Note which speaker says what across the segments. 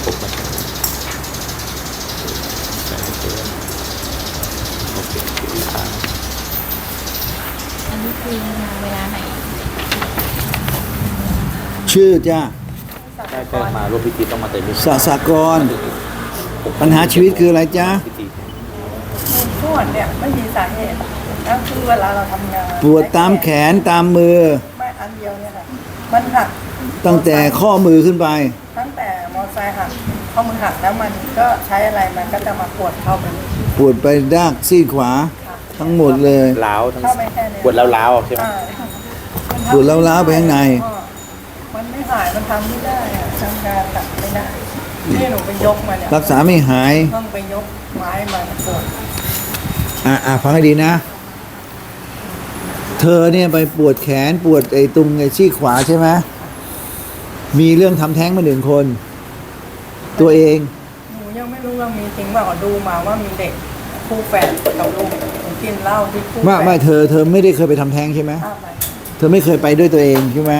Speaker 1: ครบไหมใส่เกินโอเคครับ
Speaker 2: อันนี้คือมาเวลาไหน
Speaker 3: ชื่อจ้า
Speaker 1: ใช่มาร่วมพิธีต้องมาเต็มพิธี
Speaker 3: สสากรปัญหาชีวิตคืออะไรจ้า
Speaker 1: พิธี
Speaker 4: ปวดเนี่ยไม่มีสาเหตุแล้วคือเวลาเราทำงาน
Speaker 3: ปวดตามแขนตามมือ
Speaker 4: ไม่อันเดียวเนี่ยค่ะมันหัก
Speaker 3: ตั้งแต่ข้อมือขึ้นไป
Speaker 4: ตั้งแต่มอเตอร์ไซค์หักข้อมือหักแล้วมันก็ใช้อะไรมันก็จะมาปวดเข้าไป
Speaker 3: ปวดไปด้านซีกขวา ทั้งหมดเลย
Speaker 1: ล้าวทั้ง
Speaker 4: เข้าไปแค่เนี้ย
Speaker 1: ปวดแล้วล้าวใช่ไหม
Speaker 4: อ่า
Speaker 3: ปวดร้าวๆไปข้างใน
Speaker 4: มันไม่หายมันทำไม่ได้อะทำงานหนักไม่ได้นี่หนูไปยกมาเนี่ย
Speaker 3: รักษาไม่หาย
Speaker 4: ต้องไปยกไม้มาปวด
Speaker 3: ฟังให้ดีนะ เธอเนี่ยไปปวดแขนปวดไอ้ตรงไอ้ซี่ขวาใช่ไหมมีเรื่องทำแท้งมา1 คน ตัวเอง
Speaker 4: หนูยังไม่รู้ว่ามีจริงเปล่าดูมาว่ามีเด็กคู่แฝดกับลูกหนูกินเหล้าที่คู่แฝด
Speaker 3: ไม่เธอไม่ได้เคยไปทำแท้งใช่ไหม
Speaker 4: อ้าวไป
Speaker 3: เธอไม่เคยไปด้วยตัวเองใช่ไหม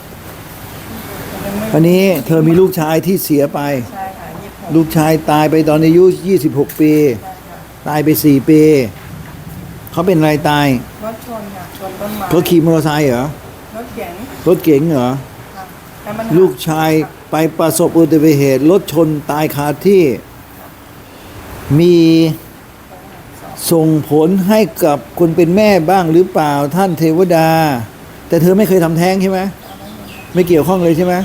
Speaker 3: วันนี้เธอมีลูกชายที่เสียไป
Speaker 4: ใช่ค่ะ26
Speaker 3: ลูกชายตายไปตอนอายุ26 ปี
Speaker 4: ใช่ค่ะ
Speaker 3: ตายไป4 ปี เขาเป็นอะไรตาย
Speaker 4: รถชนค่ะชนต้นไม้
Speaker 3: เขาขี่มอเตอร์ไซค์เหรอ
Speaker 4: รถเก๋ง
Speaker 3: รถเก๋งเหรอ
Speaker 4: ค่ะแต่มัน
Speaker 3: ลูกชายไปประสบอุบัติเหตุรถชนตายคาที่ มีส่งผลให้กับคนเป็นแม่บ้างหรือเปล่าท่านเทวดา แต่เธอไม่เคยทำแท้งใช่ไหมไม่เกี่ยวข้องเลยใช่ไหม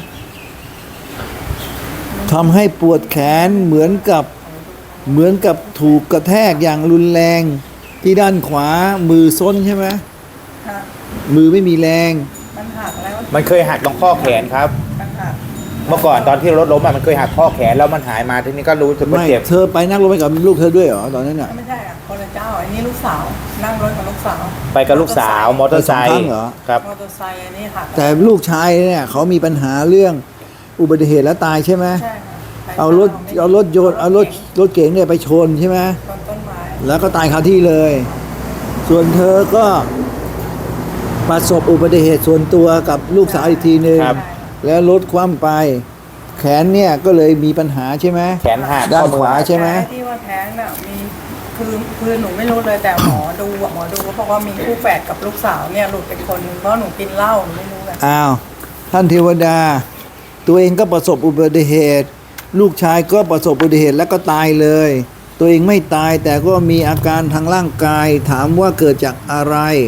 Speaker 3: ทำให้ปวดแขนเหมือนกับถูกกระแทกอย่างรุนแรงที่ด้านขวามือซ้นใช่ไหม
Speaker 4: ค่ะ
Speaker 3: มือไม่มีแรง
Speaker 4: มันหักแล้ว
Speaker 1: มันเคยหักตรงข้อแขนครับ
Speaker 4: มันหัก
Speaker 1: เมื่อก่อนตอนที่รถล้มมันเคยหักข้อแขนแล้วมันหายมาทีนี้ก็รู้สึกว่า
Speaker 3: ไม่
Speaker 1: เจ็บ
Speaker 3: เธอไปนั่งรถไปกับลูกเธอด้วยเหรอตอนนั้นอ่ะ
Speaker 4: ไม่ใช่อ่ะคนละเจ้าอันนี้ลูกสาวนั่งรถกับลูกสาว
Speaker 1: ไปกับลูกสาวมอเตอร์ไซ
Speaker 3: ไปสองครั้
Speaker 1: ค์
Speaker 3: งเหรอ
Speaker 1: ครับ
Speaker 4: มอเตอร์ไซค์อันนี้หัก
Speaker 3: แต่ลูกชายเนี่ยเขามีปัญหาเรื่องอุบัติเหตุแล้วตายใช่ไหม
Speaker 4: ใช่ค่ะ
Speaker 3: เอารถยนต์เอารถเก๋งเนี่ยไปชนใช่ไหม
Speaker 4: ชนต้นไม้
Speaker 3: แล้วก็ตายคาที่เลย ส่วนเธอก็ประสบอุบัติเหตุส่วนตัวกับลูกสาวอีกทีหนึ่ง
Speaker 1: ครับ
Speaker 3: แล้วรถคว่ำไป แขนเนี่ยก็เลยมีปัญหาใช่ไหม
Speaker 1: แขนหัก
Speaker 3: ด้าน
Speaker 1: ข้อมือ
Speaker 3: ขวา
Speaker 1: หัก
Speaker 3: ใช่ไหม
Speaker 4: แต่ที่ว่าแท้งน่ะมีคือหนูไม่รู้เลยแต่หมอดูเขาบอกว่ามีคู่แฝดกับลูกสาวเนี่ยหลุดเป็นคนนึงเพราะหนูกินเหล้าหนูไม่รู้ไง
Speaker 3: อ้าวท่านเทวดา ตัวเองก็ประสบอุบัติเหตุ ลูกชายก็ประสบอุบัติเหตุแล้วก็ตายเลย ตัวเองไม่ตายแต่ก็มีอาการทางร่างกาย ถามว่าเกิดจากอะไร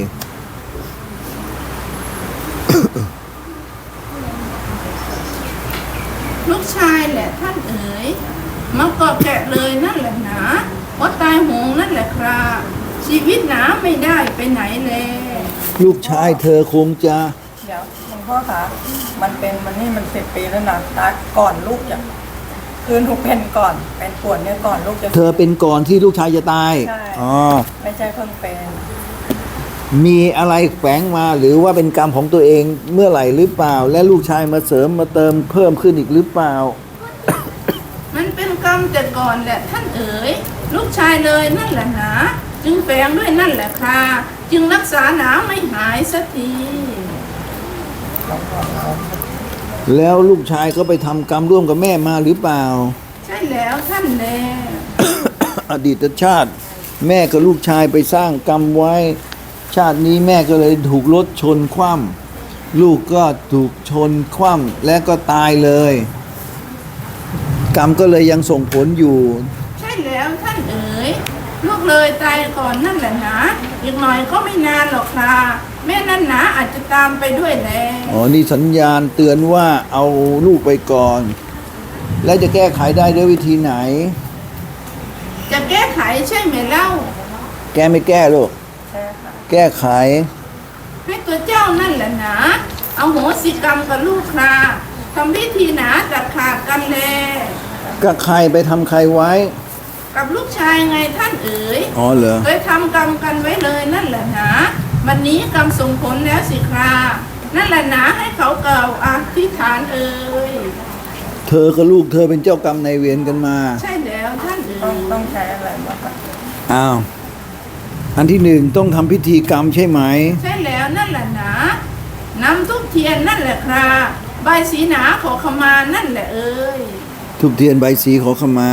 Speaker 5: ลูกชายแหละท่านเอ๋ยมาเกาะแกะเลยนั่นแหละหนาเพราะตายโหงนั่นแหละครับชีวิตหนาไม่ได้ไปไหนเลย
Speaker 3: ลูกชายเธอคงจะ
Speaker 4: เดี๋ยวหลวงพ่อคะมัน10 ปีแล้วนะตายก่อนลูกจะคือหนูเป็นก่อนเป็นปวดเนี่ยก่อนลูกจะ
Speaker 3: เธอเป็นก่อนที่ลูกชายจะตาย
Speaker 4: ใช่
Speaker 3: อ๋อ
Speaker 4: ไม่ใช่เพิ่งเป็น
Speaker 3: มีอะไรแฝงมาหรือว่าเป็นกรรมของตัวเองเมื่อไหร่หรือเปล่า และลูกชายมาเสริมมาเติมเพิ่มขึ้นอีกหรือเปล่า
Speaker 5: มันเป็นกรรมแต่ก่อนแหละท่านเอ๋ยลูกชายเลยนั่นแหละหนาจึงแฝงด้วยนั่นแหละค่ะจึงรักษาหนาไม่หายสักที
Speaker 3: แล้วลูกชายก็ไปทำกรรมร่วมกับแม่มาหรือเปล่า
Speaker 5: ใช่แล้วท่านแล
Speaker 3: อดีตชาติ แม่กับลูกชายไปสร้างกรรมไว้ ชาตินี้แม่ก็เลยถูกรถชนคว่ำลูกก็ถูกชนคว่ำและก็ตายเลย กรรมก็เลยยังส่งผลอยู่
Speaker 5: ใช่แล้วท่านเอ๋ยลูกเลยตายก่อนนั่นแหละนะอีกหน่อยก็ไม่นานหรอกค่ะแม่นั่นหนาอาจจะตามไปด้วยแล
Speaker 3: อ๋อ นี่สัญญาณเตือนว่าเอาลูกไปก่อน แล้วจะแก้ไขได้ด้วยวิธีไหน
Speaker 5: จะแก้ไขใช่ไหมเล่า
Speaker 3: แก้ไม่แก้ลูก
Speaker 4: ใช่ค่ะ
Speaker 3: แก้ไข
Speaker 5: ให้ตัวเจ้านั่นแหละนะเอาโหสิกรรมกับลูกคราทำพิธีหนาตัดขาดกันแล
Speaker 3: ก็ใครไปทำใครไว้
Speaker 5: กับลูกชายไงท่านเอ๋ย
Speaker 3: อ๋อเหรอ
Speaker 5: เคยทำกรรมกันไว้เลยนั่นแหละนะวันนี้กรรมส่งผลแล้วสิครานั่นแหละนะให้เขาเกล่าวอธิษฐานเอ๋ย
Speaker 3: เธอกับลูกเธอเป็นเจ้ากรรมนายเวรกันมา
Speaker 5: ใช่แล้วท่านเอ๋
Speaker 4: ต้องใช้อะไรบ้างคะ
Speaker 3: อ้าว อันที่หนึ่งต้องทำพิธีกรรมใช่ไหม
Speaker 5: ใช่แล้วนั่นแหละนะนำทุกเทียนนั่นแหละคราใบสีหนาขอขมานั่นแหละเอ๋ย
Speaker 3: ทุบเทียนใบสีขอขมา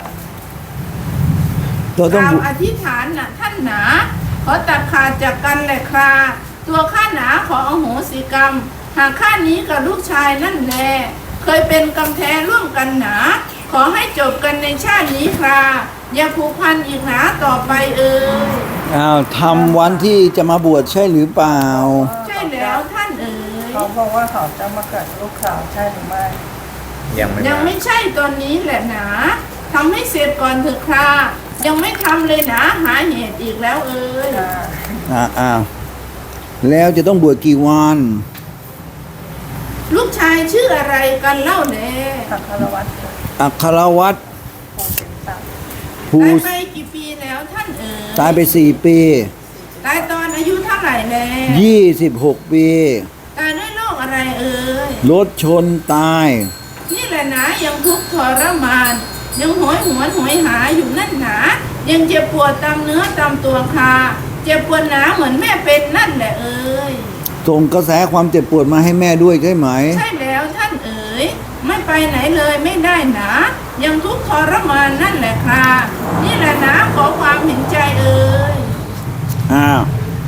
Speaker 3: เรา
Speaker 5: ก
Speaker 3: ต้อง
Speaker 5: ล่าวอธิษฐานน่ะท่านหนาขอตัดขาดจากกันแหละคราตัวข้าหนาขออโหสิกรรม หากข้านี้กับลูกชายนั่นแลเคยเป็นกำแท้ร่วมกันหนา ขอให้จบกันในชาตินี้คราอย่าผูกพันอีกหนาต่อไปเอ่ย
Speaker 3: อ้าวทำวันที่จะมาบวชใช่หรือเปล่า
Speaker 5: ใช่แล้วท่านเอ๋ย
Speaker 4: เขาบอกว่าเขาจะมาเกิดลูกสาวใช่หรือไม่
Speaker 1: ยังไม่
Speaker 5: ยัง
Speaker 1: มา
Speaker 5: ไม่ใช่ตอนนี้แหละหนาทำให้เสร็จก่อนเถอะครายังไม่ทำเลยหนาหาเหตุอีกแล้วเอ่ย
Speaker 3: อ้าวแล้วจะต้องบวชกี่วัน
Speaker 5: ลูกชายชื่ออะไรกันเล่าแน่
Speaker 4: สังฆรวัตร
Speaker 3: อัครวัตร
Speaker 4: ภูสินทรัพย์
Speaker 3: ภู
Speaker 5: ตายไปกี่ปีแล้วท่านเอ๋ย
Speaker 3: ตายไป4 ปี
Speaker 5: ตายตอนอายุเท่าไหร่แล้ว
Speaker 3: 26 ปี
Speaker 5: ตายด้วยโรคอะไรเอ่ย
Speaker 3: รถชนตาย
Speaker 5: นี่แหละนะยังทุกข์ทรมาน ยังโหยหวนโหยหาอยู่นั่นหนายังเจ็บปวดตามเนื้อตามตัวคาเจ็บปวดหนาเหมือนแม่เป็นนั่นแหละเอ่ย
Speaker 3: ส่งกระแสความเจ็บปวดมาให้แม่ด้วยใช่ไหม
Speaker 5: ใช่แล้วท่านเอ๋ยไม่ไปไหนเลยไม่ได้หนายังทุกข์ทรมานนั่นแหละครานี่แหละนะขอความเห็นใจเอ่ย
Speaker 3: อ้าว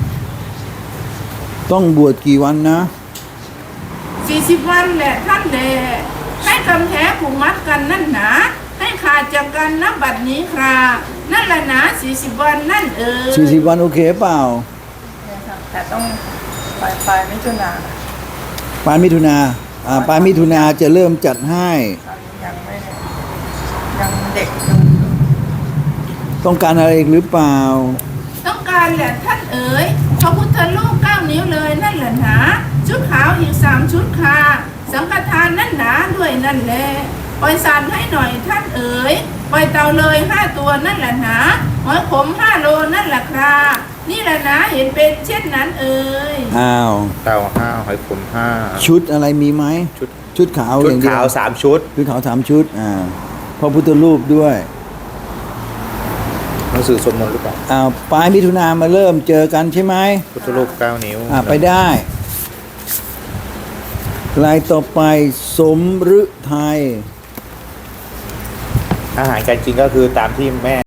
Speaker 3: ต้องบวชกี่วันนะ
Speaker 5: 40 วันแหละท่านแหละให้กำแท้ผูกมัดกันนั่นหนาให้ขาดจากกันนับบัดนี้ครานั่นแหละนะ40 วันนั่นเอ๋ย
Speaker 3: 40 วันโอเคเปล่า
Speaker 4: เนี่ยค่ะแต่ต้องปลายมิถุนา
Speaker 3: ปลายมิถุนาปลายมิถุนาจะเริ่มจัดให้
Speaker 4: ยังไม่ยังเด็กอยู่
Speaker 3: ต้องการอะไรอีกหรือเปล่า
Speaker 5: ต้องการแหละท่านเอ๋ยพระพุทธรูป9 นิ้วเลยนั่นแหละหนาชุดขาวอีก3 ชุดค่ะสังฆทานนั่นหนาด้วยนั่นแหละปล่อยสันให้หน่อยท่านเอ๋ยปล่อยเต่าเลย5 ตัวนั่นแหละหนาหอยขม5 โลนั่นแหละครานี่แหละนะเห็นเป็นเช่นนั้นเอ๋ย
Speaker 3: อ้าว
Speaker 1: เต่า5หอยขม5
Speaker 3: ชุดอะไรมีไหม ชุดขาว
Speaker 1: ชุ
Speaker 3: อ
Speaker 1: ด
Speaker 3: ย่างเดีย
Speaker 1: ขาว
Speaker 3: ว
Speaker 1: 3 ชุด
Speaker 3: ชุดขาว3 ชุดพระพุทธรูปด้วย
Speaker 1: หนังสือสวดมนต์หรือเปล่า
Speaker 3: ปลายมิถุนามาเริ่มเจอกันใช่ไหม
Speaker 1: พุทธรูป9 นิ้ว
Speaker 3: ไปได้รายต่อไปสมฤทัย
Speaker 1: อาหารการกินก็คือตามที่แม่